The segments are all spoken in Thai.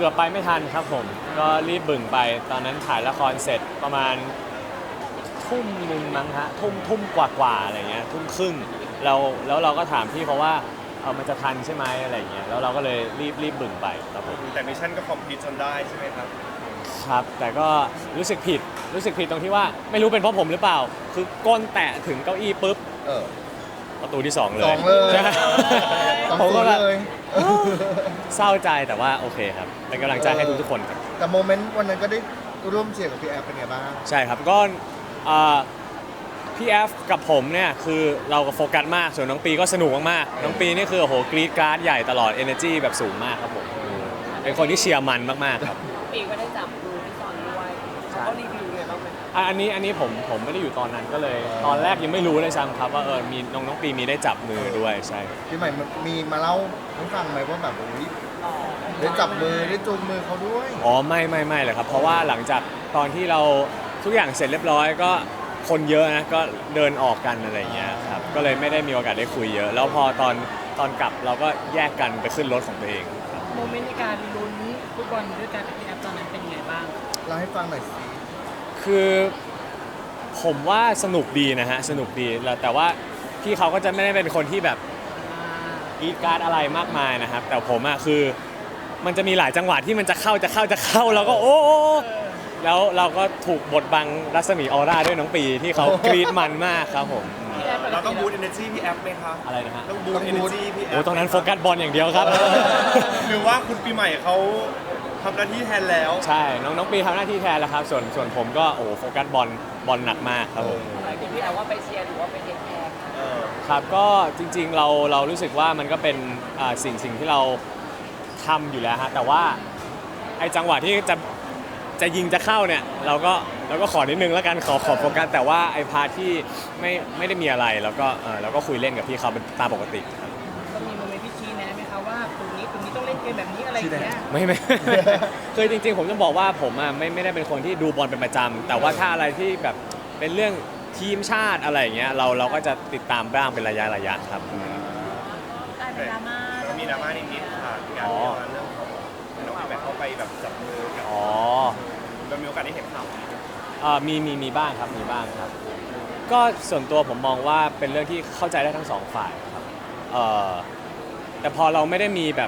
กือบไปไม่ทันครับผมก็รีบบึ่งไปตอนนั้นถ่ายละครเสร็จประมาณทุ่มหนึ่งมั้งฮะทุ่มกว่าอะไรเงี้ยทุ่มครึ่งแล้วเราก็ถามพี่เขาว่ามันจะทันใช่ไหมอะไรเงี้ยแล้วเราก็เลยรีบบึ่งไปครับผมแต่มิชชั่นก็คอมพลีทจนได้ใช่ไหมครับครับแต่ก็รู้สึกผิดตรงที่ว่าไม่รู้เป็นเพราะผมหรือเปล่า คือก้นแตะถึงเก้าอี้ปุ๊บเออประตูที่2เลยสองเลยใช่สองผมศูก็นแบบย์เลยเศร้าใจแต่ว่าโอเคครับเป็นกำลังใจให้ทุกๆคนครับแต่โมเมนต์วันนั้นก็ได้ร่วมเชียร์กับพี่แอฟเป็นไงบ้างใช่ครับก็อ่าพี่แอฟกับผมเนี่ยคือเราก็โฟกัสมากส่วนน้องปีก็สนุกมากๆน้องปีนี่คือโอ้โหกรี๊ดกราร์ดใหญ่ตลอด energy แบบสูงมากครับผมเป็นคนที่เชียร์มันมากๆครับปีก็ได้จับมือพี่ซอนด้วยเขาก็รีวิวเลยบ้างไหมอันนี้ผมไม่ได้อยู่ตอนนั้นก็เลย ตอนแรกยังไม่รู้เลยซ้ำครับว่ามีน้องปีมีได้จับมือด้วยใช่พี่ใหม่มีมาเล่าให้ฟังไหมว่าแบบได้จับมือได้จูงมือเขาด้วยอ๋อไม่เลยครับเพราะว่าหลังจากตอนที่เราทุกอย่างเสร็จเรียบร้อยก็คนเยอะนะก็เดินออกกันอะไรอย่างเงี้ยครับก็เลยไม่ได้มีโอกาสได้คุยเยอะ แล้วพอตอนกลับเราก็แยกกันไปขึ้นรถของตัวเองครับโมเมนต์ในการลุ้นฟุตบอลด้วยกันกับพี่แอฟตอนนั้นเป็นยังไงบ้างเล่าให้ฟังหน่อยสิคือผมว่าสนุกดีนะฮะสนุกดีแล้วแต่ว่าพี่เขาก็จะไม่ได้เป็นคนที่แบบกรีดกราร์ดอะไรมากมายนะครับแต่ผมอะคือมันจะมีหลายจังหวะที่มันจะเข้าแล้วก็โอ้แล้วเราก็ถูกบดบังรัศมีออร่าด้วยน้องปีที่เขากรีดมันมากครับผมเราต้องบูตเอเนจีพี่แอฟไหมครับอะไรนะฮะต้องบูตเอเนจีพี่แอฟโอ้ตรงนั้นโฟกัสบอลอย่างเดียวครับหรือว่าคุณปีใหม่เขาทำหน้าที่แทนแล้วใช่น้องปีทำหน้าที่แทนแล้วครับส่วนผมก็โอ้โหโฟกัสบอลหนักมากครับผมหลายคนพี่แอฟว่าไปเชียร์หรือว่าไปเทคแคร์ครับก็จริงๆเรารู้สึกว่ามันก็เป็นสิ่งที่เราทำอยู่แล้วฮะแต่ว่าไอ้จังหวะที่จะยิงจะเข้าเนี่ยเราก็ขอนิดนึงแล้วกันขอโฟกัสแต่ว่าไอ้พาร์ทที่ไม่ได้มีอะไรแล้วก็คุยเล่นกับพี่เขาเป็นตามปกติครับก็มีโมเมนต์ที่ชี้แนะไหมคะว่าตรงนี้ต้องเล่นเกมแบบนี้อะไรอย่างเงี้ยไม่ คือจริงๆผมจะบอกว่าผมไม่ได้เป็นคนที่ดูบอลเป็นประจำแต่ว่าถ้าอะไรที่แบบเป็นเรื่องทีมชาติอะไรอย่างเงี้ยเราก็จะติดตามบ้างเป็นระยะครับกลายเป็นดราม่าแล้วมีดราม่านิดๆค่ะงานเรื่องของน้องปีใหม่เข้าไปแบบจับมือกับอ๋อเรามีโอกาสได้เห็นข่าวนี้มีบ้างครับก็ส่วนตัวผมมองว่าเป็นเรื่องที่เข้าใจได้ทั้งสองฝ่ายครับแต่พอเราไม่ได้มีแบบ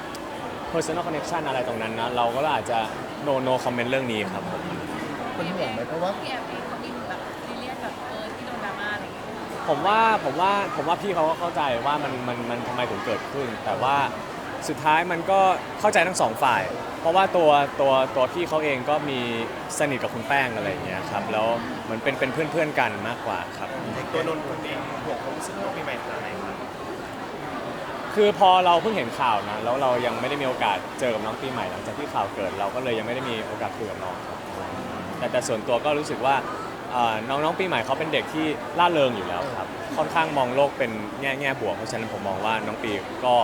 personal connection อะไรตรงนั้นนะเราก็อาจจะ no comment เรื่องนี้ครับผมเป็นห่วงไหมเพราะว่าพี่แอฟเองเขามีแบบซีเรียสแบบที่โดนดราม่าอะไรอย่างเงี้ยผมว่าพี่เขาก็เข้าใจว่ามันทำไมถึงเกิดขึ้น แต่ว่าสุดท้ายมันก็เข้าใจทั้งสองฝ่าย เพราะว่าตัวพี่เขาเองก็มีสนิทกับคุณแป้งอะไรอย่างเงี้ยครับแล้วเหมือนเป็นเพื่อนกันมากกว่าครับตัวนนท์คนเองห่วงความรู้สึกของปีใหม่ขนาดไหนครับคือพอเราเพิ่งเห็นข่าวนะแล้วเรายังไม่ได้มีโอกาสเจอกับน้องปีใหม่หลังจากที่ข่าวเกิดเราก็เลยยังไม่ได้มีโอกาสคุยกับน้องครับแต่ส่วนตัวก็รู้สึกว่าน้องปีใหม่เขาเป็นเด็กที่ร่าเริงอยู่แล้วครับค่อนข้างมองโลกเป็นแง่บวกเพราะฉะนั้นผมมองว่าน้องปีก็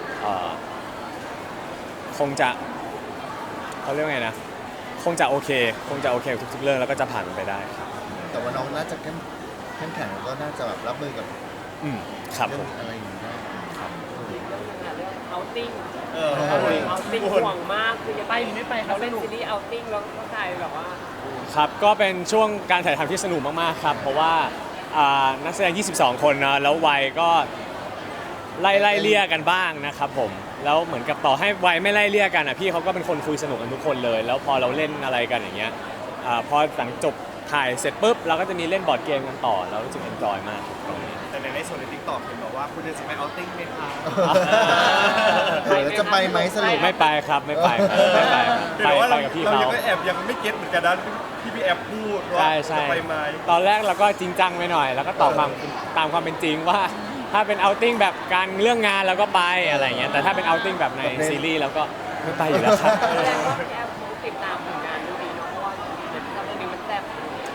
คงจะเขาเรียกว่าไงนะคงจะโอเคกับทุกๆเรื่องแล้วก็จะผ่านมันไปได้ครับแต่ว่าน้องน่าจะเข้มแข็งแล้วก็น่าจะแบบรับมือกับครับผเรื่องมอะไรอย่างนี้ได้เรื่องเอาติ้งเอาเลยเอาติ้งห่วงมากคือจะไปหรือไม่ไปเขาเล่นซีรีส์เอาติ้งแล้วก็กลายแบบว่าครับก็เป็นช่วงการถ่ายทำที่สนุกมากๆครับเพราะว่านักแสดง 22 คนนะแล้ววัยก็ไล่เลี่ยกันบ้างนะครับผมแล้วเหมือนกับต่อให้วัยไม่ไล่เลี่ยกันพี่เขาก็เป็นคนคุยสนุกกันทุกคนเลย แล้วพอเราเล่นอะไรกันอย่างเงี้ยพอหลังจบถ่ายเสร็จปุ๊บเราก็จะมีเล่นบอร์ดเกมกันต่อแล้วรู้สึกเอนจอยมากตรงนี้แต่ในส่วนในทิกตอกเห็นบอกว่าคุณจะไปเอาติ้งไหมคะเดี๋ยวจะไปไหมสรุปไม่ไปครับไม่ไปครับไปกับพี่เราเขายังก็แอบยังไม่เก็ตเหมือนกันนะที่พี่แอฟพูดว่าใช่จะไปไหมตอนแรกเราก็จริงจังไปหน่อย แล้วก็ตอบตามความเป็นจริงว่าถ้าเป็นเอาติ้งแบบการเรื่องงานเราก็ไปอะไรเงี้ยแต่ถ้าเป็นเอาติ้งแบบในซีรีส์เราก็ไม่ไปอยู่แล้วครับแสดงว่าพี่แอฟคงติดตามผลงานดูดีเนาะเพราะว่าเดี๋ยวตอนนี้มันแซ่บ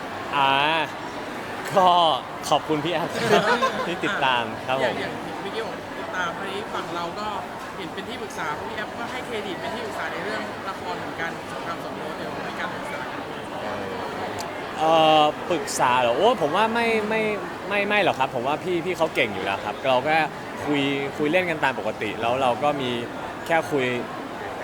ก็ขอบคุณพี่แอฟที่ติดตามครับผมอย่างวิดีโอติดตามคราวนี้ฝั่งเราก็เห็นเป็นที่ปรึกษาพี่แอฟก็ให้เครดิตเป็นที่ปรึกษาในเรื่องละครเหมือนกันสงครามสมรสเดี๋ยวในการปรึกษากันปรึกษาเหรอโอ้ผมว่าไม่หรอกครับผมว่าพี่เขาเก่งอยู่แล้วครับเราก็คุยเล่นกันตามปกติแล้วเราก็มีแค่คุย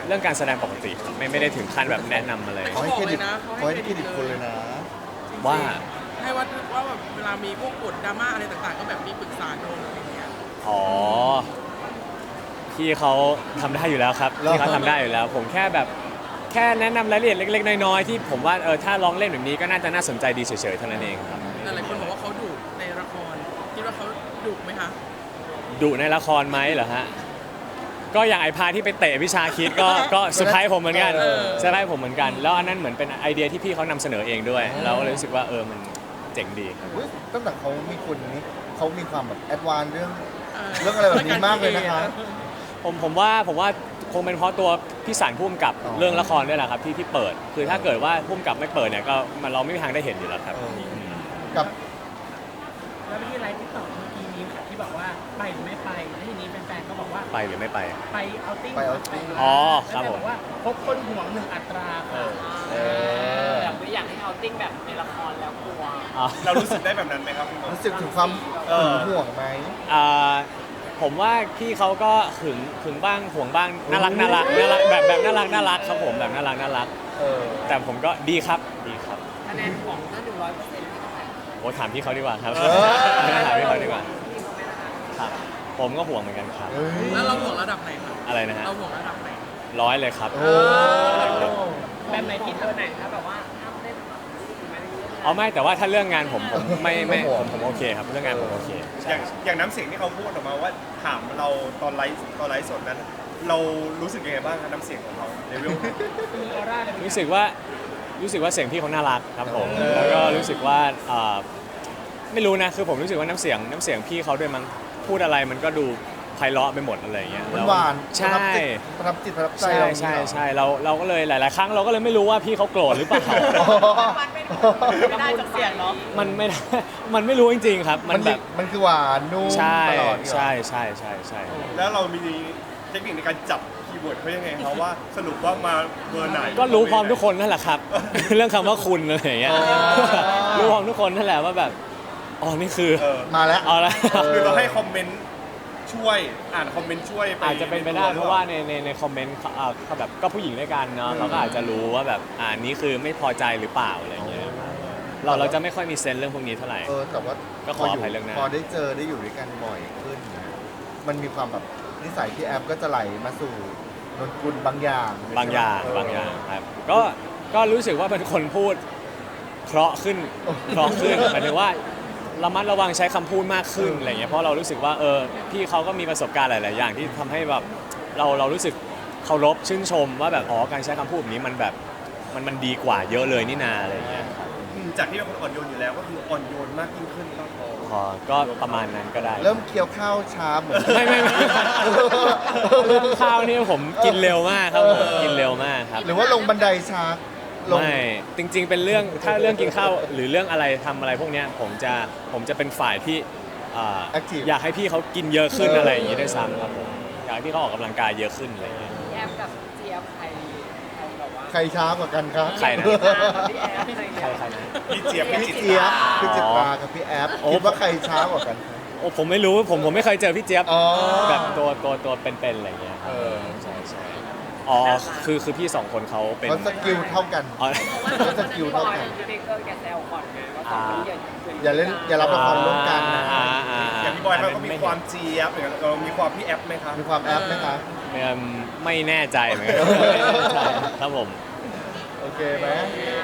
เรื่องการแสดงปกติครับไม่ได้ถึงขั้นแบบแนะนำอะไรเขาให้เครดิตเขาให้เครดิตคนเลยนะว่าให้ว่าแบบเวลามีพวกกดดราม่าอะไรต่างๆ ก็แบบมีปรึกษาโดนอะไรอย่างเงี้ยอ๋อพี่เขาทำได้อยู่แล้วครับพี่เขาทำได้อยู่แล้ว ผมแค่แบบแค่แนะนำรายละเอียดเล็กๆน้อยๆที่ผมว่าถ้าลองเล่นแบบนี้ก็น่าจะน่าสนใจดีเฉยๆเท่านั้นเองครับแต่หลายคนบอกว่าเขาดุในละครคิดว่าเขาดุไหมคะดุในละครไหมเหรอฮะก็อย่างไอพาที่ไปเตะวิชาคิดก็เซอร์ไพรส์ผมเหมือนกันเซอร์ไพรส์ผมเหมือนกัน แล้วอันนั้นเหมือนเป็นไอเดียที่พี่เขานำเสนอเองด้วยเราก็เลยรู้สึกว่ามันเจ๋งดีครับอุ๊ยตั้งแต่เขามีคนนี้เขามีความแบบแอดวานซ์เรื่องอะไรแบบนี้มากเลยนะคะผมว่าคงเป็นเพราะตัวพี่สารพุ่มกับอ๋อเรื่องละครด้วยแหละครับที่เปิด คือถ้าเกิดว่าพุ่มกับไม่เปิดเนี่ยก็เราไม่มีทางได้เห็นอยู่แล้วครับกับแล้วที่ไลฟ์ติ๊กต็อกเมื่อกี้นี้ค่ะที่บอกว่าไปหรือไม่ไปแล้วทีนี้แฟนๆก็บอกว่าไปหรือไม่ไปไปเอาติ้งไปเอาติ้งอ๋อครับแล้วผมแฟนบอกว่าพบคนห่วงหนึ่งอัตราค่ะแบบไม่อยากให้เอาติ้งแบบในละครแล้วกลัวอ๋อเรารู้สึกได้แบบนั้นไหมครับพี่นนท์รู้สึกถึงความหึงห่วงไหมผมว่าพี่เขาก็หึงบ้างห่วงบ้างน่ารักแบบน่ารักครับผมแบบน่ารัก แต่ผมก็ดีครับคะแนนของถ้า100%ที่เท่าไหร่โอ้ถามพี่เขาดีกว่าครับเออถามพี่เขาดีกว่าพี่เขาไม่นะคะครับ ผมก็ห่วงเหมือนกันครับเอ้ยแล้วเราห่วงระดับไหนครับอะไรนะฮะเราห่วงระดับไหน 100เลยครับโอ้แบบไหนผิดเออไหนถ้าแบบว่าห้ามเล่นไม่ได้เยอะเอาไม่แต่ว่าถ้าเรื่องงานผมไม่ผมโอเคครับเรื่องงานผมโอเคอใช่ย่างน้ำเสียงที่เขาพูดออกมาว่าถามเราตอนไลฟ์สดนั้น เรารู้สึกยังไงบ้างครับน้ำเสียงของเขาเลเวลมีออร่าเลยรู้สึกว่าเสียงพี่เขาน่ารักครับผมแล้วก็รู้สึกว่าไม่รู้นะคือผมรู้สึกว่าน้ำเสียงพี่เขาด้วยมั้งพูดอะไรมันก็ดูไพเราะไปหมดอะไรอย่างเงี้ยมันหวานใช่ประทับจิตประทับใจใช่เราใช่เราก็เลยหลายๆครั้งเราก็เลยไม่รู้ว่าพี่เขาโกรธหรือเปล่าไม่ได้จากเสียงเนาะมันไม่ได้มันไม่รู้จริงๆครับมัมัน นแบบมันคือหวานนุ่มใช่ตลอดใช่แล้วเรามีเทคนิคในการจับคีย์เวิร์ดเขายังไงครับว่าสรุปว่ามาเบอร์ไหนก็รู้พร้อมทุกคนนั่นแหละครับ เรื่องคำว่าคุณอะไรอย่างเงี้ยรู้พร้อมทุกคนนั่นแหละว่าแบบอ๋อนี่คือมาแล้วเอาละคือเราให้คอมเมนต์ช่วยอ่านคอมเมนต์ช่วยอาจจะเป็นไปได้เพราะว่าในคอมเมนต์เขาแบบก็ผู้หญิงด้วยกันเนาะเขาก็อาจจะรู้ว่าแบบนี้คือไม่พอใจหรือเปล่าอะไรอย่างเงี้ยเราจะไม่ค่อยมีเซนส์เรื่องพวกนี้เท่าไหร่แต่ว่าก็ขออภัยเรื่องนั้นพอได้เจอได้อยู่ด้วยกันบ่อยขึ้นนะมันมีความแบบนิสัยที่แอปก็จะไหลมาสู่นนกุลบางอย่างบางอย่างครับก็รู้สึกว่าเป็นคนพูดเพราะขึ้นหมายถึงว่าระมัดระวังใช้คำพูดมากขึ้นอะไรเงี้ยเพราะเรารู้สึกว่าพี่เขาก็มีประสบการณ์หลาย ๆ อย่างที่ทำให้แบบเรารู้สึกเคารพชื่นชมว่าแบบการใช้คำพูดแบบนี้มันแบบมันดีกว่าเยอะเลยนี่นาอะไรเงี้ยจากที่เป็นคนอ่อนโยนอยู่แล้วก็คืออ่อนโยนมากยิ่งขึ้นครับผมก็ประมาณนั้นก็ได้เริ่มเคี้ยวข้าวช้าเหมือนไม่เรื่องข้าวนี่ผมกินเร็วมากครับผมกินเร็วมากครับหรือว่าลงบันไดช้าลงไม่จริง ๆ เป็นเรื่องถ้าเรื่องกินข้าวหรือเรื่องอะไรทำอะไรพวกเนี้ยผมจะเป็นฝ่ายที่ Active อยากให้พี่เขากินเยอะขึ้นอะไรอย่างนี้ด้วยซ้ำครับผมอยากให้พี่เขาออกกำลังกายเยอะขึ้นอะไรอย่างเงี้ยพี่แอมกับเจี๊ยบใครแบบว่าใครช้ากว่ากันครับใครนะพี่แอมอะไรอย่างใครเงี้ยใครนะพี่เจี๊ยบพี่เจี๊ยบพี่จิตรากับพี่แอปโอ้คิดว่าใครช้ากว่ากันครับโอ้ผมไม่รู้ผมไม่เคยเจอพี่เจี๊ยบอ๋อแบบตัวเป็นๆอะไรอย่างเงี้ยครับใช่อ๋อคือพี่สองคนเขาเป็นเขาสกิลเท่ากันอ๋อเขาสกิลเท่ากันพี่เด็กก็แกแซวก่อนไงว่าสองคนนี้อย่าเล่นอย่ารับละครร่วมกันนะอย่างพี่บอยเขาก็มีความเจี๊ยบอย่างเงี้ยมีความพี่แอปไหมครับมีความแอปไหมคะไม่แน่ใจเหมือนกันไม่แน่ใจครับผมโอเคไหมโ